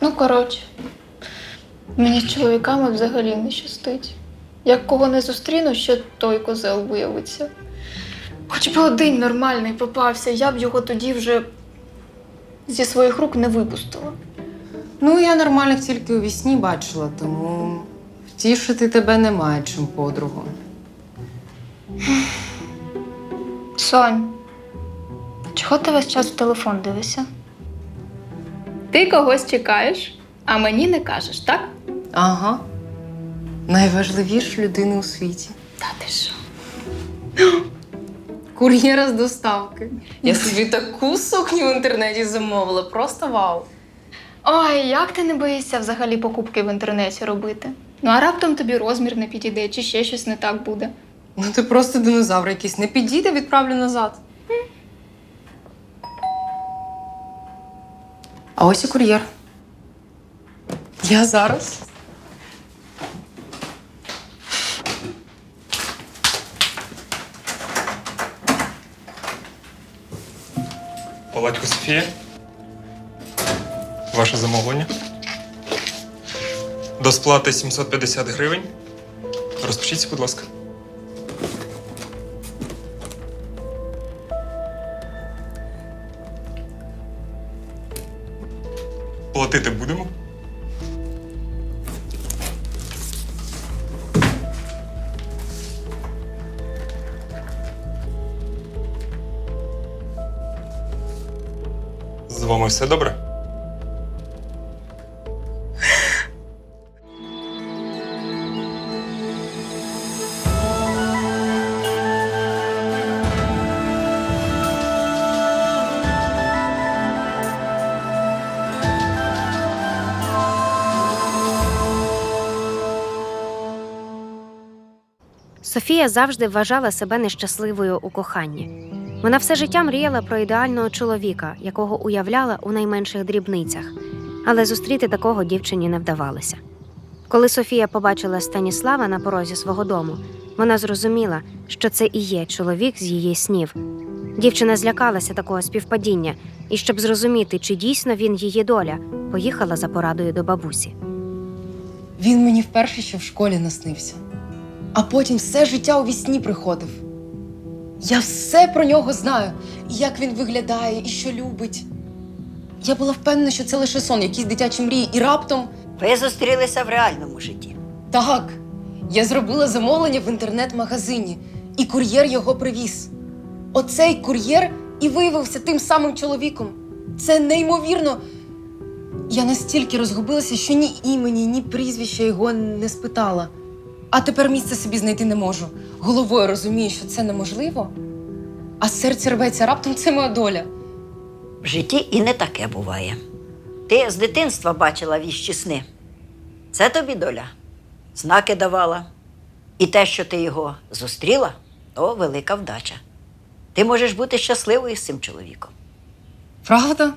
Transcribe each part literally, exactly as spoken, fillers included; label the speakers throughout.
Speaker 1: Ну, коротше, мені з чоловіками взагалі не щастить. Як кого не зустріну, ще той козел виявиться. Хоч би один нормальний попався, я б його тоді вже зі своїх рук не випустила.
Speaker 2: Ну, я нормальних тільки у вісні бачила, тому втішити тебе немає чим, подругу.
Speaker 1: Сонь, чого ти весь час в телефон дивишся? Ти когось чекаєш, а мені не кажеш, так?
Speaker 2: Ага. Найважливіша людина у світі.
Speaker 1: Та ти що?
Speaker 2: Кур'єра з доставки. Я собі таку сукню в інтернеті замовила, просто вау.
Speaker 1: Ой, як ти не боїшся взагалі покупки в інтернеті робити? Ну, а раптом тобі розмір не підійде, чи ще щось не так буде.
Speaker 2: Ну ти просто динозавр якийсь. Не підійде, відправлю назад. А ось і кур'єр. Я зараз.
Speaker 3: Палатько Софія. Ваше замовлення. До сплати сімсот п'ятдесят гривень. Розпишіться, будь ласка. Платити будемо? З вами все добре?
Speaker 4: Софія завжди вважала себе нещасливою у коханні. Вона все життя мріяла про ідеального чоловіка, якого уявляла у найменших дрібницях. Але зустріти такого дівчині не вдавалося. Коли Софія побачила Станіслава на порозі свого дому, вона зрозуміла, що це і є чоловік з її снів. Дівчина злякалася такого співпадіння, і щоб зрозуміти, чи дійсно він її доля, поїхала за порадою до бабусі.
Speaker 2: Він мені вперше ще в школі наснився. А потім все життя у вісні приходив. Я все про нього знаю. І як він виглядає, і що любить. Я була впевнена, що це лише сон, якісь дитячі мрії. І раптом…
Speaker 5: Ви зустрілися в реальному житті.
Speaker 2: Так, я зробила замовлення в інтернет-магазині. І кур'єр його привіз. Оцей кур'єр і виявився тим самим чоловіком. Це неймовірно. Я настільки розгубилася, що ні імені, ні прізвища його не спитала. А тепер місця собі знайти не можу. Головою розумію, що це неможливо. А серце рветься, раптом це моя доля.
Speaker 5: В житті і не таке буває. Ти з дитинства бачила віщі сни. Це тобі доля. Знаки давала. І те, що ти його зустріла, то велика вдача. Ти можеш бути щасливою з цим чоловіком.
Speaker 2: Правда?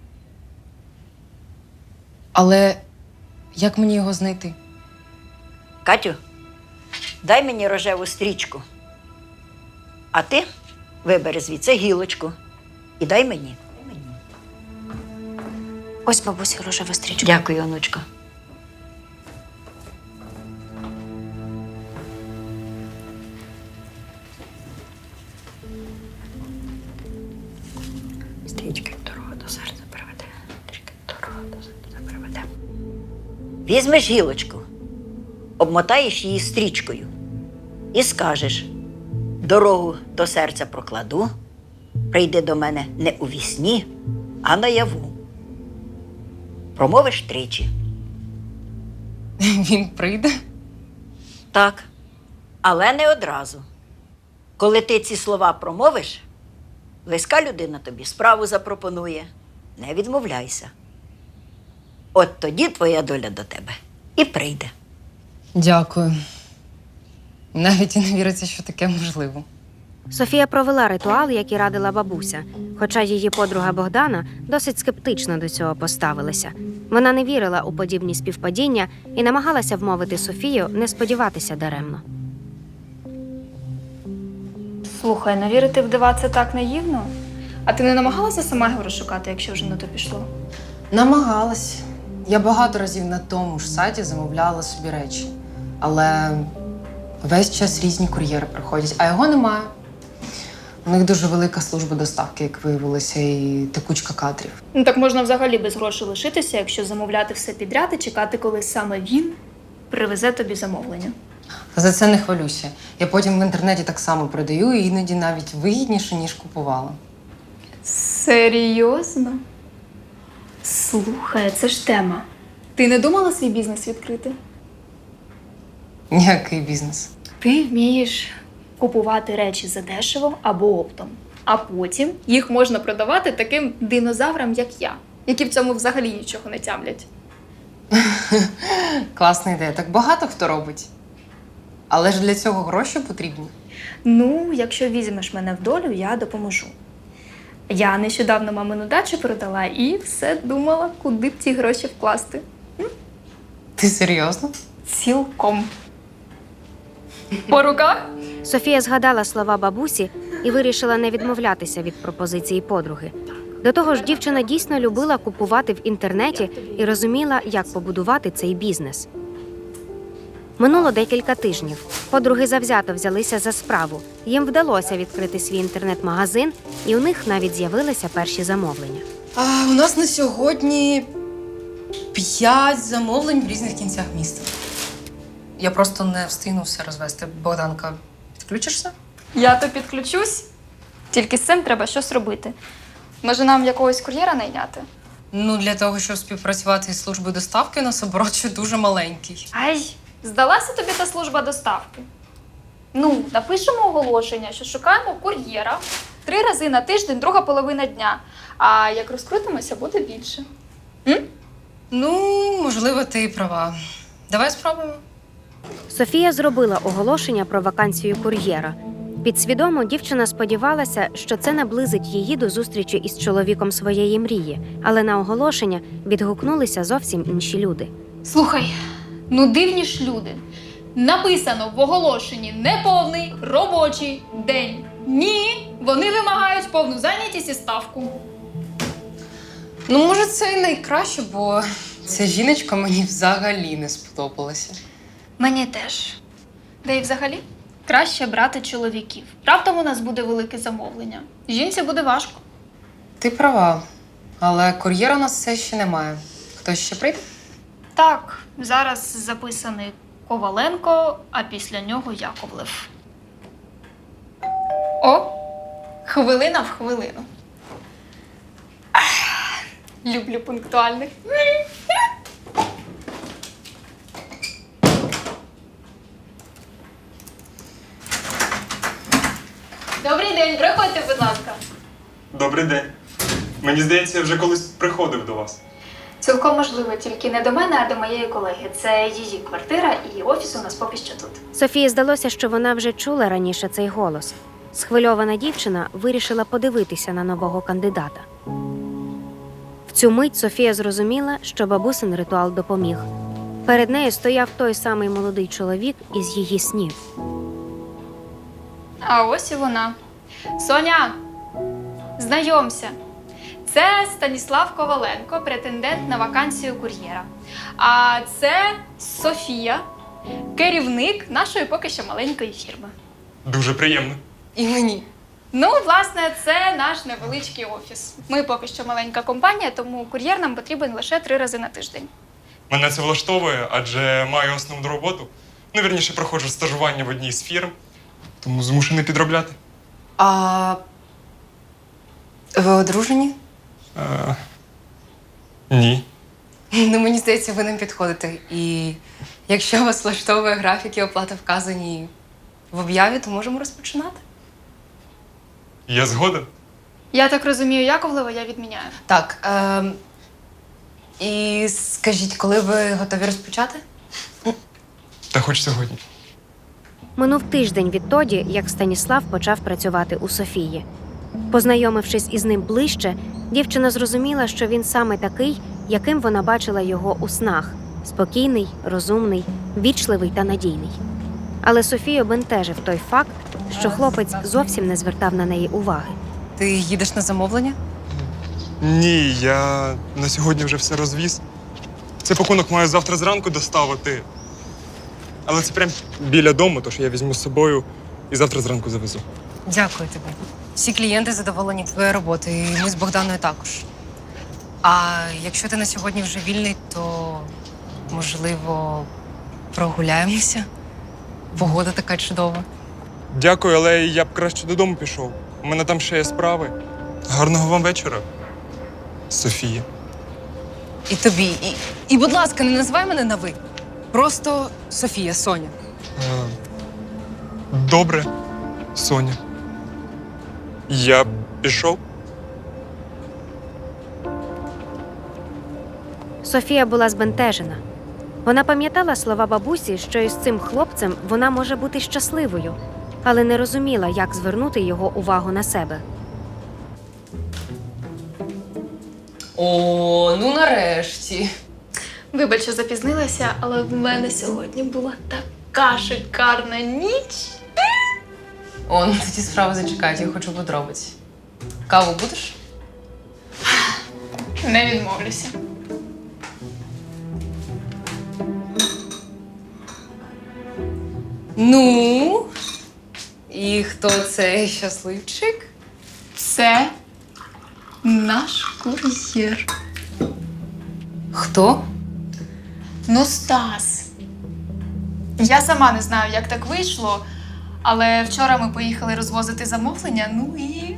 Speaker 2: Але як мені його знайти?
Speaker 5: Катю, дай мені рожеву стрічку. А ти вибери звідси гілочку і дай мені.
Speaker 4: Ось бабусі рожева стрічка.
Speaker 5: Дякую, онучко. Стрічка дорога до серця приведе. Стрічка дорога до серця приведе. Візьмеш гілочку, обмотаєш її стрічкою і скажеш: дорогу до серця прокладу, прийди до мене не у вісні, а наяву. Промовиш тричі.
Speaker 2: Він прийде?
Speaker 5: Так, але не одразу. Коли ти ці слова промовиш, близька людина тобі справу запропонує. Не відмовляйся. От тоді твоя доля до тебе і прийде.
Speaker 2: Дякую. Навіть і не віриться, що таке можливо.
Speaker 4: Софія провела ритуал, як і радила бабуся, хоча її подруга Богдана досить скептично до цього поставилася. Вона не вірила у подібні співпадіння і намагалася вмовити Софію не сподіватися даремно.
Speaker 1: Слухай, не вірити в дива – це так наївно. А ти не намагалася сама його розшукати, якщо вже на то пішло?
Speaker 2: Намагалась. Я багато разів на тому ж сайті замовляла собі речі, але весь час різні кур'єри приходять, а його немає. У них дуже велика служба доставки, як виявилося, і текучка кадрів.
Speaker 1: Ну так можна взагалі без грошей лишитися, якщо замовляти все підряд і чекати, коли саме він привезе тобі замовлення.
Speaker 2: Та за це не хвалюся. Я потім в інтернеті так само продаю, і іноді навіть вигідніше, ніж купувала.
Speaker 1: Серйозно? Слухай, це ж тема. Ти не думала свій бізнес відкрити?
Speaker 2: Ніякий бізнес.
Speaker 1: Ти вмієш купувати речі задешево або оптом, а потім їх можна продавати таким динозаврам, як я, які в цьому взагалі нічого не тямлять.
Speaker 2: Класна ідея. Так багато хто робить. Але ж для цього гроші потрібні.
Speaker 1: Ну, якщо візьмеш мене в долю, я допоможу. Я нещодавно мамину дачу продала і все думала, куди б ці гроші вкласти.
Speaker 2: Ти серйозно?
Speaker 1: Цілком. По руках?
Speaker 4: Софія згадала слова бабусі і вирішила не відмовлятися від пропозиції подруги. До того ж, дівчина дійсно любила купувати в інтернеті і розуміла, як побудувати цей бізнес. Минуло декілька тижнів. Подруги завзято взялися за справу. Їм вдалося відкрити свій інтернет-магазин, і у них навіть з'явилися перші замовлення.
Speaker 2: А у нас на сьогодні п'ять замовлень в різних кінцях міста. Я просто не встигну все розвести. Богданка, підключишся?
Speaker 1: Я то підключусь. Тільки з цим треба щось робити. Може, нам якогось кур'єра найняти?
Speaker 2: Ну, для того, щоб співпрацювати із службою доставки, у нас оборот ще дуже маленький.
Speaker 1: Ай, здалася тобі та служба доставки? Ну, напишемо оголошення, що шукаємо кур'єра три рази на тиждень, друга половина дня. А як розкрутимося, буде більше. М?
Speaker 2: Ну, можливо, ти і права. Давай спробуємо.
Speaker 4: Софія зробила оголошення про вакансію кур'єра. Підсвідомо дівчина сподівалася, що це наблизить її до зустрічі із чоловіком своєї мрії, але на оголошення відгукнулися зовсім інші люди.
Speaker 1: Слухай, ну дивні ж люди. Написано в оголошенні неповний робочий день. Ні, вони вимагають повну зайнятість і ставку.
Speaker 2: Ну, може, це і найкраще, бо ця жіночка мені взагалі не сподобалася.
Speaker 1: Мені теж. Де і взагалі краще брати чоловіків. Раптом у нас буде велике замовлення. Жінці буде важко.
Speaker 2: Ти права, але кур'єра у нас все ще немає. Хтось ще прийде?
Speaker 1: Так, зараз записаний Коваленко, а після нього Яковлев. О, хвилина в хвилину. Ах, люблю пунктуальних. Добрий день, приходьте, будь ласка.
Speaker 3: Добрий день. Мені здається, я вже колись приходив до вас.
Speaker 1: Цілком можливо, тільки не до мене, а до моєї колеги. Це її квартира і офіс у нас поки що тут.
Speaker 4: Софії здалося, що вона вже чула раніше цей голос. Схвильована дівчина вирішила подивитися на нового кандидата. В цю мить Софія зрозуміла, що бабусин ритуал допоміг. Перед нею стояв той самий молодий чоловік із її снів.
Speaker 1: А ось і вона. Соня, знайомся. Це Станіслав Коваленко, претендент на вакансію кур'єра. А це Софія, керівник нашої поки що маленької фірми.
Speaker 3: Дуже приємно.
Speaker 2: І мені.
Speaker 1: Ну, власне, це наш невеличкий офіс. Ми поки що маленька компанія, тому кур'єр нам потрібен лише три рази на тиждень.
Speaker 3: Мене це влаштовує, адже маю основну роботу. Ну, вірніше, проходжу стажування в одній з фірм, тому змушений підробляти.
Speaker 2: А ви одружені?
Speaker 3: А... Ні.
Speaker 2: Ну, мені здається, ви нам підходите. І якщо вас влаштовує графік і оплата вказані в об'яві, то можемо розпочинати.
Speaker 3: Я згоден.
Speaker 1: Я так розумію, Яковлева я відміняю.
Speaker 2: Так. Е- і скажіть, коли ви готові розпочати?
Speaker 3: Та хоч сьогодні.
Speaker 4: Минув тиждень відтоді, як Станіслав почав працювати у Софії. Познайомившись із ним ближче, дівчина зрозуміла, що він саме такий, яким вона бачила його у снах – спокійний, розумний, вічливий та надійний. Але Софію бентежив той факт, що хлопець зовсім не звертав на неї уваги.
Speaker 2: Ти їдеш на замовлення?
Speaker 3: Ні, я на сьогодні вже все розвіз. Цей пакунок маю завтра зранку доставити. Але це прям біля дому, тож я візьму з собою і завтра зранку завезу.
Speaker 2: Дякую тобі. Всі клієнти задоволені твоєю роботою, і ми з Богданою також. А якщо ти на сьогодні вже вільний, то можливо прогуляємося? Погода така чудова.
Speaker 3: Дякую, але я б краще додому пішов. У мене там ще є справи. Гарного вам вечора, Софія.
Speaker 2: І тобі. І, і будь ласка, не називай мене на ви. Просто Софія, Соня.
Speaker 3: Е, Добре, Соня. Я пішов.
Speaker 4: Софія була збентежена. Вона пам'ятала слова бабусі, що із цим хлопцем вона може бути щасливою, але не розуміла, як звернути його увагу на себе.
Speaker 2: О, ну нарешті.
Speaker 1: Вибач, що запізнилася, але в мене сьогодні була така шикарна ніч.
Speaker 2: О, ну тоді справа зачекають, я хочу подробиць. Каву будеш?
Speaker 1: Не відмовлюся.
Speaker 2: Ну, і хто цей щасливчик?
Speaker 1: Це наш кур'єр.
Speaker 2: Хто?
Speaker 1: Ну, Стас. Я сама не знаю, як так вийшло, але вчора ми поїхали розвозити замовлення, ну і.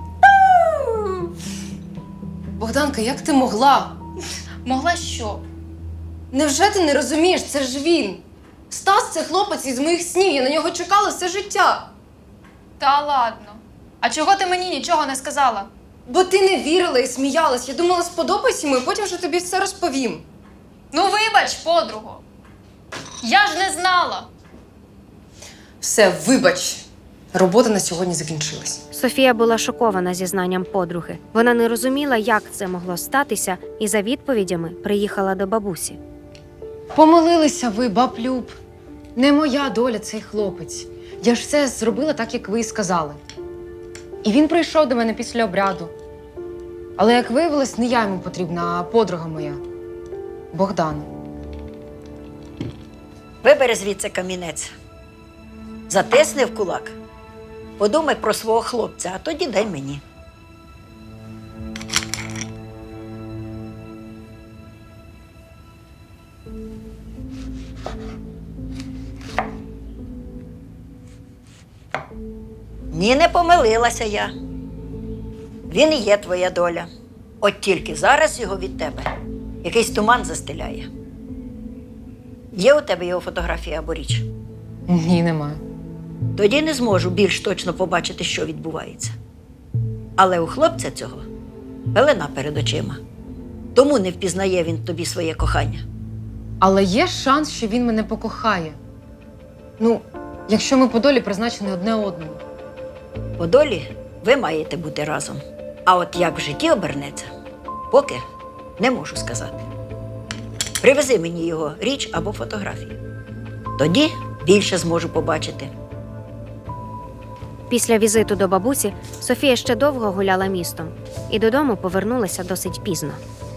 Speaker 2: Богданка, як ти могла?
Speaker 1: Могла що?
Speaker 2: Невже ти не розумієш? Це ж він. Стас – це хлопець із моїх снів, я на нього чекала все життя.
Speaker 1: Та ладно. А чого ти мені нічого не сказала?
Speaker 2: Бо ти не вірила і сміялась. Я думала, сподобайся йому, і потім вже тобі все розповім.
Speaker 1: Ну, вибач, подруго. Я ж не знала.
Speaker 2: Все, вибач. Робота на сьогодні закінчилась.
Speaker 4: Софія була шокована зізнанням подруги. Вона не розуміла, як це могло статися, і за відповідями приїхала до бабусі.
Speaker 2: Помилилися ви, баб Люб. Не моя доля цей хлопець. Я ж все зробила так, як ви і сказали. І він прийшов до мене після обряду. Але, як виявилось, не я йому потрібна, а подруга моя. Богдана.
Speaker 5: Вибери звідси камінець. Затисни в кулак. Подумай про свого хлопця, а тоді дай мені. Ні, не помилилася я. Він і є твоя доля. От тільки зараз його від тебе якийсь туман застеляє. Є у тебе його фотографія або річ?
Speaker 2: Ні, немає.
Speaker 5: Тоді не зможу більш точно побачити, що відбувається. Але у хлопця цього пелена перед очима. Тому не впізнає він тобі своє кохання.
Speaker 2: Але є шанс, що він мене покохає. Ну, якщо ми по долі призначені одне одному.
Speaker 5: По долі ви маєте бути разом. А от як в житті обернеться, поки не можу сказати. Привези мені його річ або фотографію. Тоді більше зможу побачити.
Speaker 4: Після візиту до бабусі Софія ще довго гуляла містом і додому повернулася досить пізно.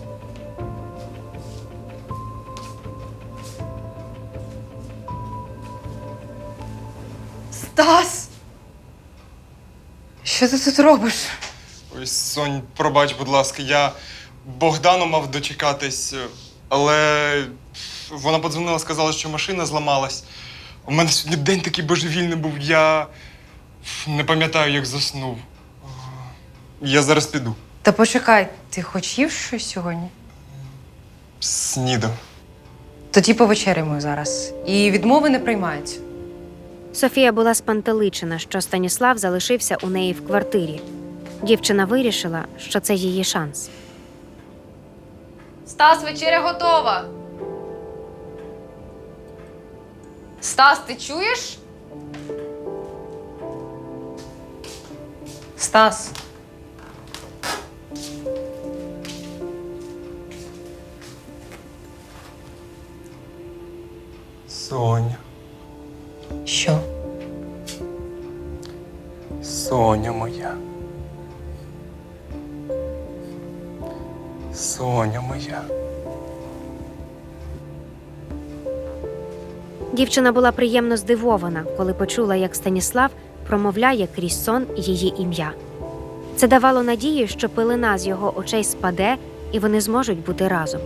Speaker 2: Стас! Що ти тут робиш?
Speaker 3: Ой, Сонь, пробач, будь ласка, я Богдану мав дочекатись, але вона подзвонила, сказала, що машина зламалась. У мене сьогодні день такий божевільний був, я не пам'ятаю, як заснув. Я зараз піду.
Speaker 2: Та почекай, ти хоч їв щось сьогодні?
Speaker 3: Снідав.
Speaker 2: Тоді повечеряємо зараз. І відмови не приймаються.
Speaker 4: Софія була спантеличена, що Станіслав залишився у неї в квартирі. Дівчина вирішила, що це її шанс.
Speaker 2: Стас, вечеря готова. Стас, ти чуєш? Стас.
Speaker 3: Соня,
Speaker 2: Що?
Speaker 3: Соня моя. Соня моя.
Speaker 4: Дівчина була приємно здивована, коли почула, як Станіслав промовляє крізь сон її ім'я. Це давало надію, що пилина з його очей спаде, і вони зможуть бути разом.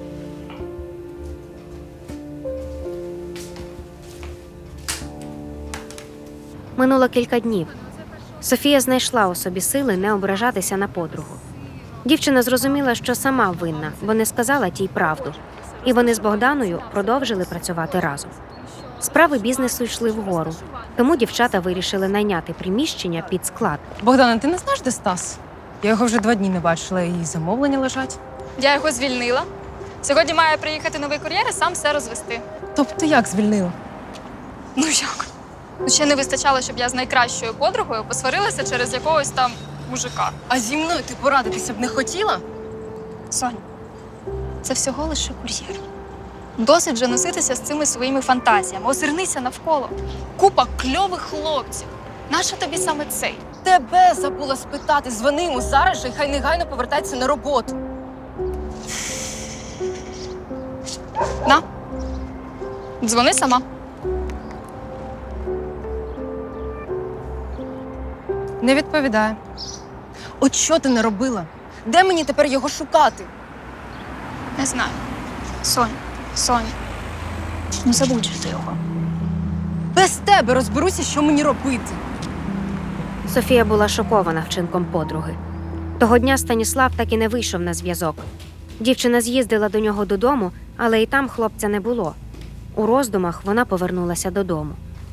Speaker 4: Минуло кілька днів. Софія знайшла у собі сили не ображатися на подругу. Дівчина зрозуміла, що сама винна, бо не сказала тій правду. І вони з Богданою продовжили працювати разом. Справи бізнесу йшли вгору, тому дівчата вирішили найняти приміщення під склад.
Speaker 2: Богдана, ти не знаєш, де Стас? Я його вже два дні не бачила, і замовлення лежать.
Speaker 6: Я його звільнила. Сьогодні має приїхати новий кур'єр і сам все розвести.
Speaker 2: Тобто як звільнила?
Speaker 6: Ну як? Ну ще не вистачало, щоб я з найкращою подругою посварилася через якогось там мужика.
Speaker 2: А зі мною ти порадитися б не хотіла?
Speaker 6: Сонь, це всього лише кур'єр. Досить вже носитися з цими своїми фантазіями. Озирнися навколо. Купа кльових хлопців. Нащо тобі саме цей?
Speaker 2: Тебе забула спитати. Дзвони йому зараз же і хай негайно повертається на роботу.
Speaker 6: На. Дзвони сама.
Speaker 2: Не відповідає. От що ти не робила? Де мені тепер його шукати?
Speaker 6: Не знаю. Сонь, Сонь. Ну забудь же ти його.
Speaker 2: Без тебе розберуся, що мені робити.
Speaker 4: Софія була шокована вчинком подруги. Того дня Станіслав так і не вийшов на зв'язок. Дівчина з'їздила до нього додому, але і там хлопця не було. У роздумах вона повернулася додому.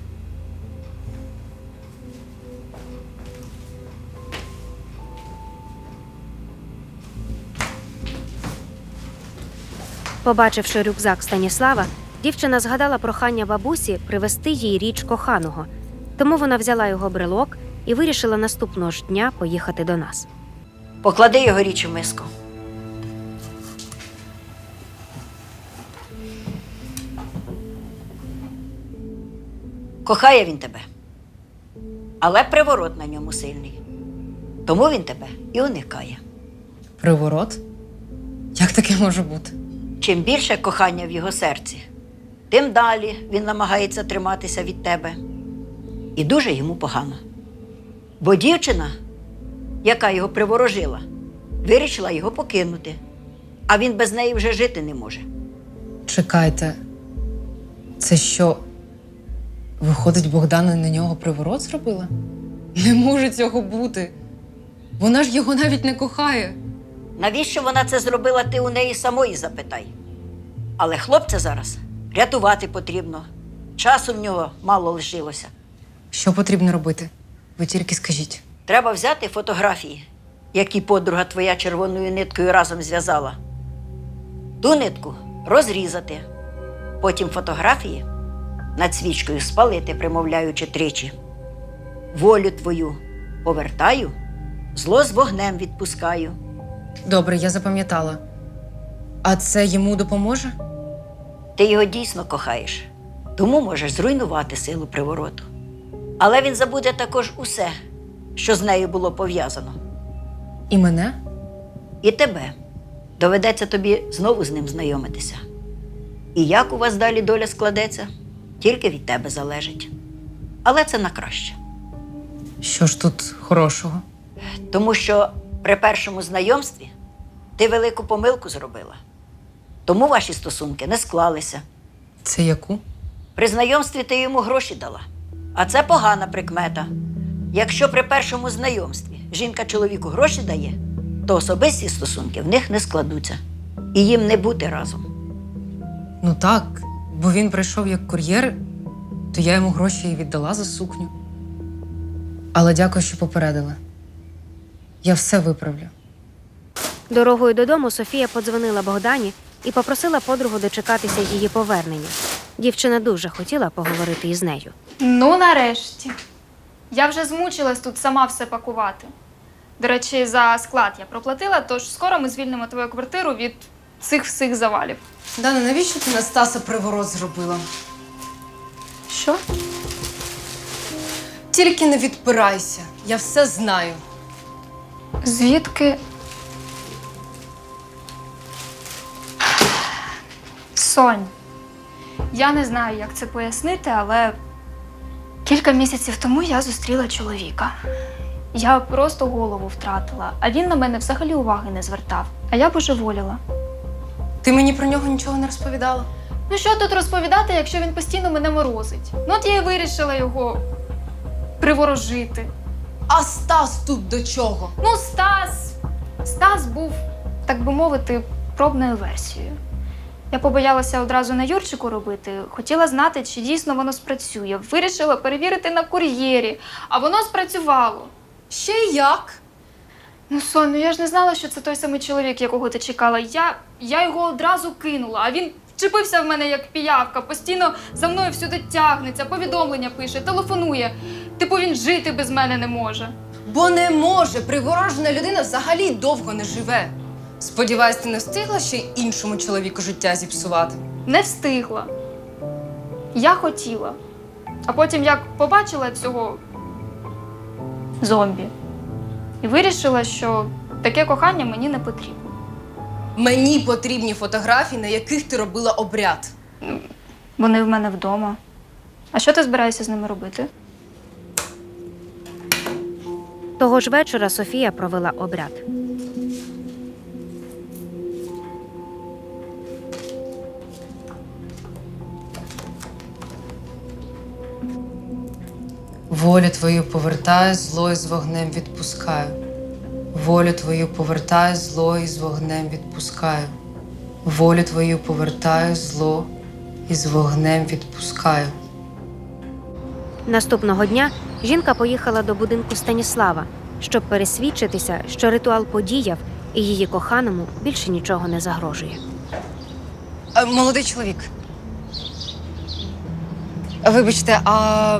Speaker 4: Побачивши рюкзак Станіслава, дівчина згадала прохання бабусі привезти їй річ коханого. Тому вона взяла його брелок і вирішила наступного ж дня поїхати до нас.
Speaker 5: Поклади його річ у миску. Кохає він тебе, але приворот на ньому сильний. Тому він тебе і уникає.
Speaker 2: Приворот? Як таке може бути?
Speaker 5: Чим більше кохання в його серці, тим далі він намагається триматися від тебе. І дуже йому погано. Бо дівчина, яка його приворожила, вирішила його покинути, а він без неї вже жити не може.
Speaker 2: Чекайте, це що, виходить, Богдана на нього приворот зробила? Не може цього бути. Вона ж його навіть не кохає.
Speaker 5: Навіщо вона це зробила, ти у неї самої запитай. Але хлопця зараз рятувати потрібно. Часу в нього мало лишилося.
Speaker 2: Що потрібно робити? Ви тільки скажіть.
Speaker 5: Треба взяти фотографії, які подруга твоя червоною ниткою разом зв'язала. Ту нитку розрізати. Потім фотографії над свічкою спалити, примовляючи тричі. Волю твою повертаю, зло з вогнем відпускаю.
Speaker 2: Добре, я запам'ятала. А це йому допоможе?
Speaker 5: Ти його дійсно кохаєш, тому можеш зруйнувати силу привороту. Але він забуде також усе, що з нею було пов'язано.
Speaker 2: І мене?
Speaker 5: І тебе. Доведеться тобі знову з ним знайомитися. І як у вас далі доля складеться, тільки від тебе залежить. Але це на краще.
Speaker 2: Що ж тут хорошого?
Speaker 5: Тому що при першому знайомстві ти велику помилку зробила. Тому ваші стосунки не склалися.
Speaker 2: Це яку?
Speaker 5: При знайомстві ти йому гроші дала. А це погана прикмета. Якщо при першому знайомстві жінка чоловіку гроші дає, то особисті стосунки в них не складуться. І їм не бути разом.
Speaker 2: Ну так, бо він прийшов як кур'єр, то я йому гроші і віддала за сукню. Але дякую, що попередила. Я все виправлю.
Speaker 4: Дорогою додому Софія подзвонила Богдані і попросила подругу дочекатися її повернення. Дівчина дуже хотіла поговорити із нею.
Speaker 6: Ну, нарешті. Я вже змучилась тут сама все пакувати. До речі, за склад я проплатила, тож скоро ми звільнимо твою квартиру від цих всіх завалів.
Speaker 2: Дана, навіщо ти на Стаса приворот зробила?
Speaker 6: Що?
Speaker 2: Тільки не відпирайся, я все знаю.
Speaker 6: Звідки? Сонь, Я не знаю, як це пояснити, але кілька місяців тому я зустріла чоловіка. Я просто голову втратила, а він на мене взагалі уваги не звертав. А я божеволіла.
Speaker 2: Ти мені про нього нічого не розповідала?
Speaker 6: Ну що тут розповідати, якщо він постійно мене морозить? Ну от я і вирішила його приворожити.
Speaker 2: А Стас тут до чого?
Speaker 6: Ну, Стас. Стас був, так би мовити, пробною версією. Я побоялася одразу на Юрчику робити. Хотіла знати, чи дійсно воно спрацює. Вирішила перевірити на кур'єрі, а воно спрацювало.
Speaker 2: Ще як?
Speaker 6: Ну, Сонь, ну я ж не знала, що це той самий чоловік, якого ти чекала. Я, я його одразу кинула, а він вчепився в мене як піявка, постійно за мною всюди тягнеться, повідомлення пише, телефонує. Типу він жити без мене не може.
Speaker 2: Бо не може. Приворожена людина взагалі довго не живе. Сподіваюсь, ти не встигла ще іншому чоловіку життя зіпсувати?
Speaker 6: Не встигла. Я хотіла. А потім як побачила цього зомбі і вирішила, що таке кохання мені не потрібно.
Speaker 2: Мені потрібні фотографії, на яких ти робила обряд.
Speaker 6: Вони в мене вдома. А що ти збираєшся з ними робити?
Speaker 4: Того ж вечора Софія провела обряд.
Speaker 2: Волю твою повертаю, зло із вогнем відпускаю. Волю твою повертаю, зло із вогнем відпускаю. Волю твою повертаю, зло із вогнем відпускаю.
Speaker 4: Наступного дня жінка поїхала до будинку Станіслава, щоб пересвідчитися, що ритуал подіяв і її коханому більше нічого не загрожує.
Speaker 2: А, молодий чоловік. Вибачте, а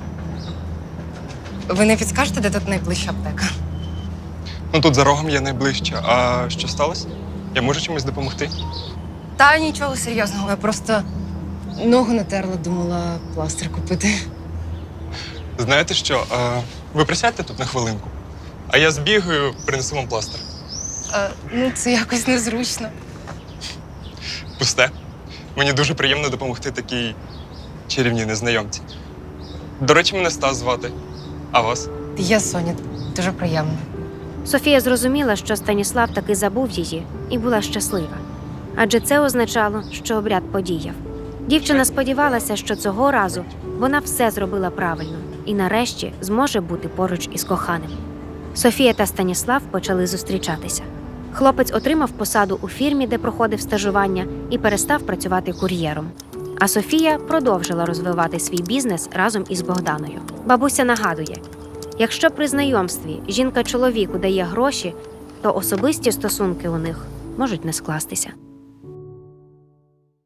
Speaker 2: ви не підскажете, де тут найближча аптека?
Speaker 3: Ну тут за рогом є найближче. А що сталося? Я можу чимось допомогти?
Speaker 2: Та нічого серйозного, я просто ногу натерла, думала пластир купити.
Speaker 3: Знаєте що? А, ви присядьте тут на хвилинку, а я збігаю, принесу вам пластир.
Speaker 2: А, ну, це якось незручно.
Speaker 3: Пусте. Мені дуже приємно допомогти такій чарівній незнайомці. До речі, мене Стас звати. А вас?
Speaker 2: Я Соня, дуже приємно.
Speaker 4: Софія зрозуміла, що Станіслав таки забув її і була щаслива. Адже це означало, що обряд подіяв. Дівчина сподівалася, що цього разу вона все зробила правильно і нарешті зможе бути поруч із коханим. Софія та Станіслав почали зустрічатися. Хлопець отримав посаду у фірмі, де проходив стажування, і перестав працювати кур'єром. А Софія продовжила розвивати свій бізнес разом із Богданою. Бабуся нагадує, якщо при знайомстві жінка чоловіку дає гроші, то особисті стосунки у них можуть не скластися.